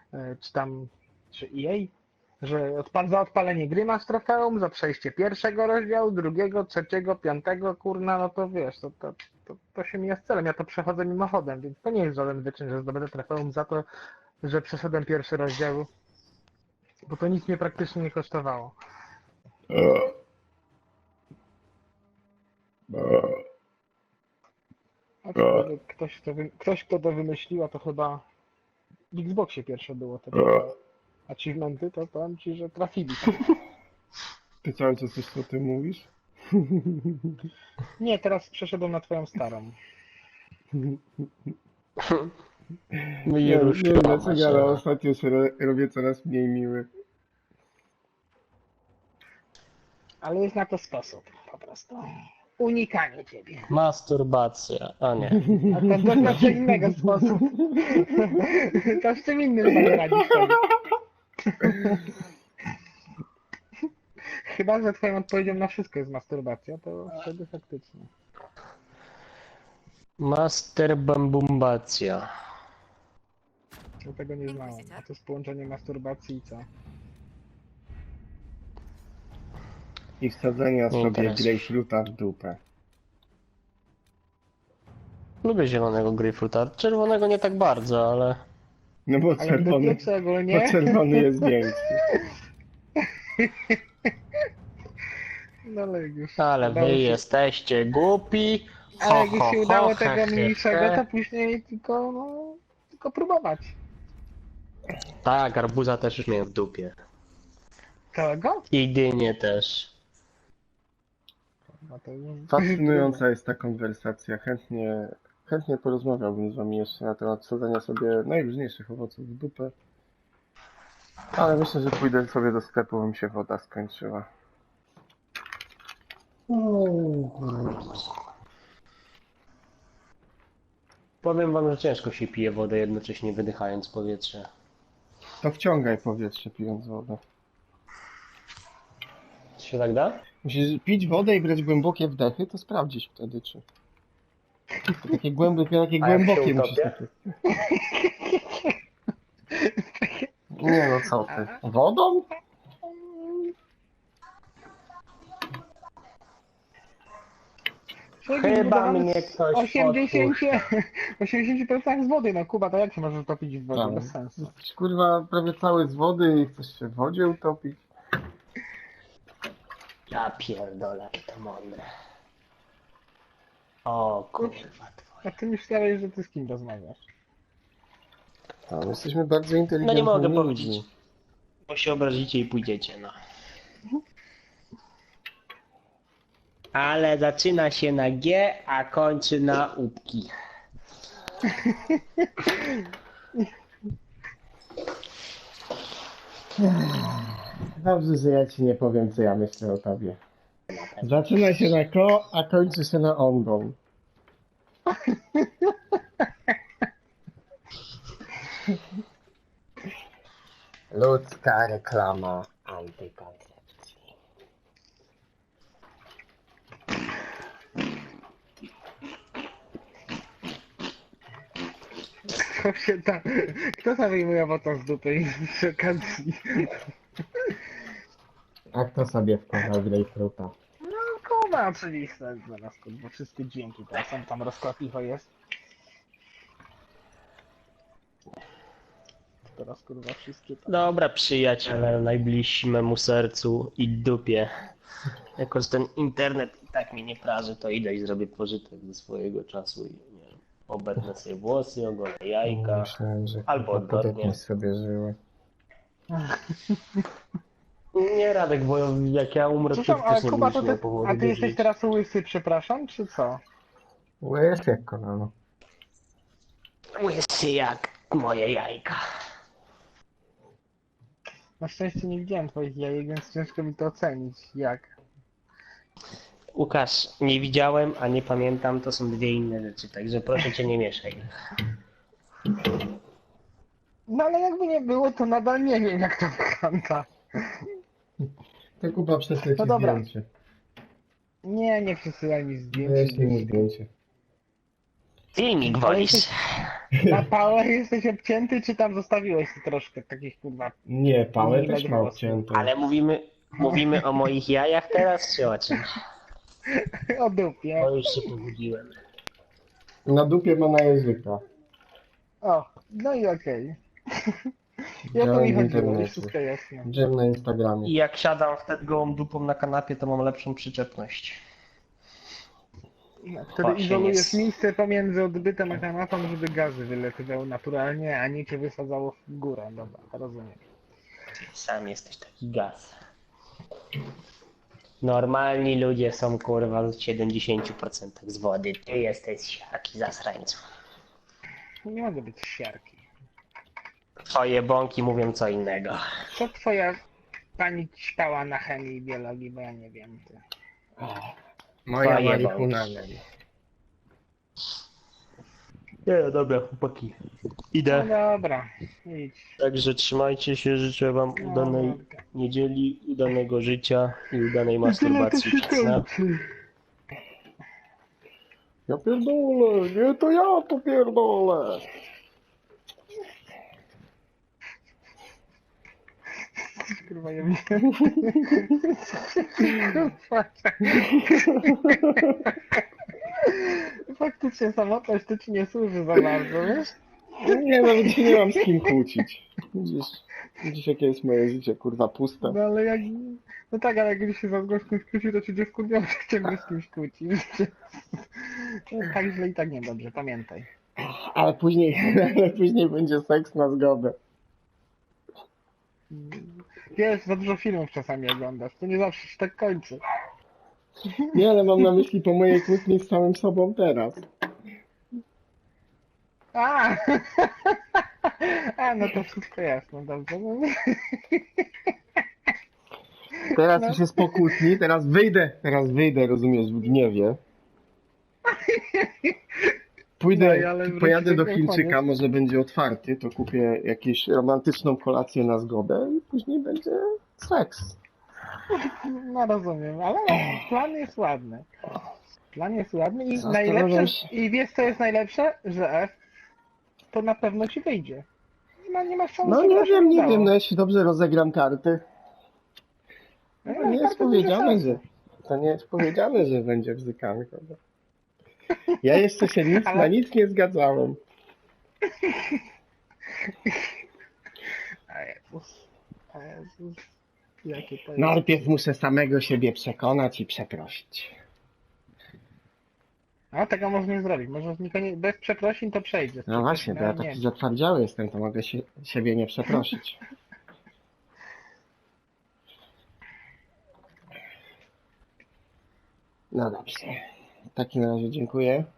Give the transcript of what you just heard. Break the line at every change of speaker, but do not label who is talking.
czy tam, czy EA, że za odpalenie gry masz trofeum, za przejście pierwszego rozdziału, drugiego, trzeciego, piątego, kurna, no to wiesz, to się mija z celem. Ja to przechodzę mimochodem, więc to nie jest żaden wyczyn, że zdobędę trofeum za to, że przeszedłem pierwszy rozdział, bo to nic mnie praktycznie nie kosztowało. Aczkolwiek ktoś, kto to wymyśliła, to chyba w Xboxie pierwsze było te achievementy, to powiem ci, że trafili.
Ty cały czas coś o tym mówisz?
Nie, teraz przeszedłem na twoją starą.
Nie wiem dlaczego, ale ostatnio się robię coraz mniej miły.
Ale jest na to sposób, po prostu. Unikanie ciebie.
Masturbacja, a nie.
A to znaczy innego sposób. To z czym innym sobie radzisz sobie. Chyba, że twoją odpowiedzią na wszystko jest masturbacja, to wtedy faktycznie.
Masterbambumbacja.
Ja tego nie znałem. A to jest połączenie masturbacji i co?
I wsadzenia
Nie
sobie
interesuje.
grejpfruta w dupę.
Lubię zielonego grejpfruta. Czerwonego nie tak bardzo, ale...
No bo
Ale do pieczy ogólnie.
bo czerwony jest większy.
No ale już.
Ale
udało
wy
się-
jesteście głupi.
Ale jak już się udało
he,
tego
he,
mniejszego,
he.
to później tylko, no, tylko próbować.
Tak, arbuza też już miałem w dupie.
Całego?
I dynię też.
No to...
Fascynująca jest ta konwersacja. Chętnie porozmawiałbym z wami jeszcze na temat wsadzenia sobie najróżniejszych owoców w dupę. Ale myślę, że pójdę sobie do sklepu, bo mi się woda skończyła.
Powiem wam, że ciężko się pije wodę, jednocześnie wydychając powietrze.
To wciągaj powietrze pijąc wodę.
Czy się tak da?
Musisz pić wodę i brać głębokie wdechy, to sprawdzisz wtedy, czy... To takie głębokie
A jak się
musisz
utopię?
takie... Nie no, co ty? Wodą?
Chyba mnie ktoś
80% 80% z wody, no Kuba, to jak się możesz topić w wodzie?
Tak.
Bez sensu.
Kurwa, prawie cały z wody i chcesz się w wodzie utopić?
Ja pierdolę, jakie to mądre. O kurwa twoje.
A ty myślałeś, że ty z kim rozmawiasz?
No, jesteśmy bardzo
No
inteligentni
nie mogę
ludźmi.
powiedzieć. Bo się obrazicie i pójdziecie, no. Ale zaczyna się na G, a kończy na łupki.
Dobrze, że ja ci nie powiem, co ja myślę o tobie. Zaczyna się na ko, a kończy się na ondą. Ludzka reklama antykoncepcji.
Kto tam wyjmuje owoce z dupy i przy okazji?
A kto sobie wkładał grejpfruta?
No Kuba, oczywiście, zaraz bo wszystkie dźwięki teraz są, tam rozkłapicho jest. Teraz kurwa wszystkie tam.
Dobra, przyjaciele, najbliżsi memu sercu i dupie. Jako że ten internet i tak mi nie praży, to idę i zrobię pożytek ze swojego czasu i nie wiem, obetnę sobie włosy, ogolę jajka.
Myślałem, że
Albo odwrotnie.
sobie żyły.
Nie Radek, bo jak ja umrę, to
Przepraszam,
ty
ale
też nie
Kuba,
będziesz
to
miał
ty,
powodu
a ty
do
jesteś
życia.
teraz łysy, przepraszam, czy co?
Łez jak kolano.
Łysy jak moje jajka.
Na szczęście nie widziałem twoich jajek, więc ciężko mi to ocenić. Jak?
Łukasz, nie widziałem, a nie pamiętam, to są dwie inne rzeczy, także proszę cię nie mieszaj.
No ale jakby nie było, to nadal nie wiem, jak to wygląda.
To Kuba prześlę ci
No dobra.
zdjęcie.
Nie przesyłaj mi zdjęć.
Wyślij mi zdjęcie.
Filmik
Ale
wolisz.
jesteś- Na pałę jesteś obcięty, czy tam zostawiłeś troszkę takich kurwa
Nie, pałę też
milek
ma
włosów?
obciętą.
Ale mówimy o moich jajach teraz, czy o czym?
O dupie.
Bo już się pobudziłem.
Na dupie ma na języka.
O, no i okej. I o to
Działam
mi
w
chodziło,
internecie.
już wszystko jasne.
Dżem na Instagramie.
I jak siadam wtedy gołą dupą na kanapie, to mam lepszą przyczepność.
No, wtedy
się
izolujesz
nie-
miejsce pomiędzy odbytem a kanapą, żeby gazy wylatywały naturalnie, a nie cię wysadzało w górę. Dobra, rozumiem.
Sam jesteś taki gaz. Normalni ludzie są kurwa w 70% z wody. Ty jesteś jaki zasrańcu.
Nie mogę być siarki.
Twoje bąki mówią co innego.
Co twoja pani ćpała na chemii i biologii, bo ja nie wiem. Ty.
Moja
Twoje
marihuana.
Nie, no dobra, chłopaki.
No
Idę.
dobra, idź.
Także trzymajcie się, życzę wam
No,
udanej
dobra.
niedzieli, udanego życia i udanej masturbacji przed snem.
Ja pierdolę, nie to ja to pierdolę.
Kurwa, ja myślę. Faktycznie samotność to ci nie służy za bardzo, wiesz?
Nie, nawet się nie mam z kim kłócić. Widzisz jakie jest moje życie, kurwa, puste.
No ale jak... No tak, ale jak gdzieś się za gościem skłóci, to ci dziewku nie może ciągle z kimś kłócić. No, tak źle i tak niedobrze, pamiętaj.
Ale później będzie seks na zgodę.
Wiesz, za dużo filmów czasami oglądasz, to nie zawsze się tak kończy.
Nie, ale mam na myśli po mojej kłótni z samym sobą teraz.
A! A, no to wszystko jasne, dobrze. No,
Teraz
No.
już jest po kłótni, teraz wyjdę, rozumiesz, w gniewie.
No i ale wróć
Pojadę do
do
Chińczyka,
koniec.
może będzie otwarty, to kupię jakąś romantyczną kolację na zgodę i później będzie seks.
No rozumiem, ale plan jest ładny. Plan jest ładny i
Zastanawiam
najlepsze,
się.
i wiesz co jest najlepsze? Że F to na pewno ci wyjdzie. Nie ma szans,
No
żeby
nie
to się
wiem, nie
udało.
wiem, no jeśli dobrze rozegram karty,
No,
to nie jest
bardzo duże
powiedziane,
szanse.
że to nie jest powiedziane, że będzie bzykanka. No. Ja jeszcze się
Ale-
na nic nie zgadzałem.
A Jezus. A Jezus. Jakie to jest.
Najpierw muszę samego siebie przekonać i przeprosić.
No tego można nie zrobić. Może bez przeprosin to przejdzie.
No właśnie, bo ja
nie.
taki zatwardziały jestem, to mogę siebie nie przeprosić. No dobrze. W takim razie dziękuję.